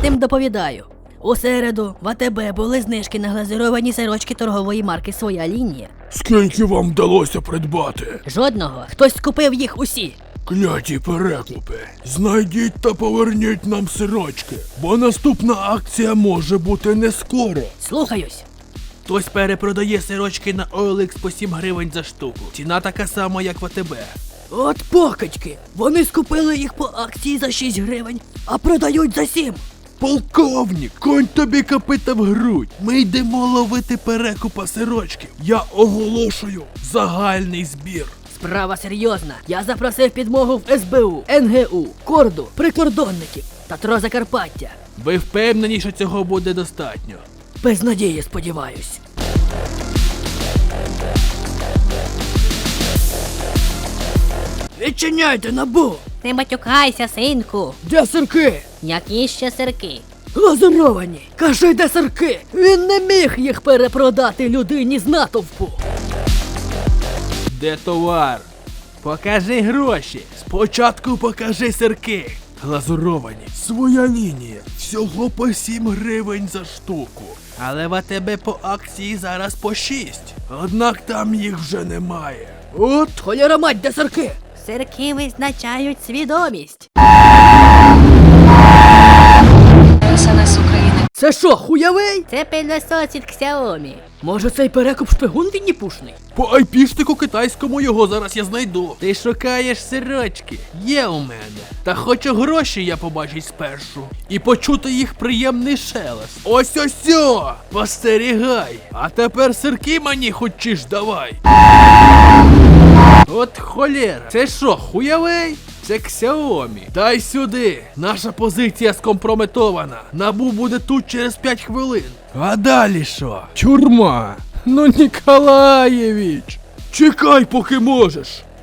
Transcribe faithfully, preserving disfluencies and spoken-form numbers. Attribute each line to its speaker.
Speaker 1: тим доповідаю. У середу в АТБ були знижки на глазуровані сирочки торгової марки «Своя лінія».
Speaker 2: Скільки вам вдалося придбати?
Speaker 1: Жодного. Хтось скупив їх усі.
Speaker 2: Кляті перекупи. Знайдіть та поверніть нам сирочки, бо наступна акція може бути не скоро.
Speaker 1: Слухаюсь.
Speaker 3: Хтось перепродає сирочки на о ел ікс по сім гривень за штуку. Ціна така сама, як в АТБ.
Speaker 1: От покачки. Вони скупили їх по акції за шість гривень, а продають за сім.
Speaker 2: Полковник, конь тобі копита в грудь. Ми йдемо ловити перекупа сирочків. Я оголошую загальний збір.
Speaker 1: Справа серйозна. Я запросив підмогу в ес бе у, ен ге у, Корду, прикордонників та ТРО Закарпаття.
Speaker 3: Ви впевнені, що цього буде достатньо?
Speaker 1: Без надії, сподіваюсь. Відчиняйте, НАБУ!
Speaker 4: Не матюкайся, синку.
Speaker 1: Де сирки?
Speaker 4: Які ще сирки?
Speaker 1: Глазуровані! Кажи, де сирки! Він не міг їх перепродати людині з натовпу!
Speaker 3: Де товар? Покажи гроші.
Speaker 2: Спочатку покажи сирки. Глазуровані. Своя лінія. Всього по сім гривень за штуку.
Speaker 3: Але в АТБ по акції зараз по шість.
Speaker 2: Однак там їх вже немає.
Speaker 1: От холєра мать, де сирки!
Speaker 4: Сирки визначають свідомість.
Speaker 5: ес ен ес України.
Speaker 1: Це що, хуявий?
Speaker 4: Це пилосос від Xiaomi.
Speaker 1: Може цей перекуп шпигун відніпушний?
Speaker 3: По айпішнику китайському його зараз я знайду. Ти шукаєш сирочки? Є у мене. Та хочу гроші я побачить спершу. І почути їх приємний шелест. Ось ось о! Постерігай! А тепер сирки мені хочеш давай. От холєра. Це що, хуявей? Це Xiaomi. Дай сюди. Наша позиція скомпрометована. НАБУ буде тут через п'ять хвилин.
Speaker 2: А далі що? Тюрма. Ну, Ніколаєвич. Чекай, поки можеш.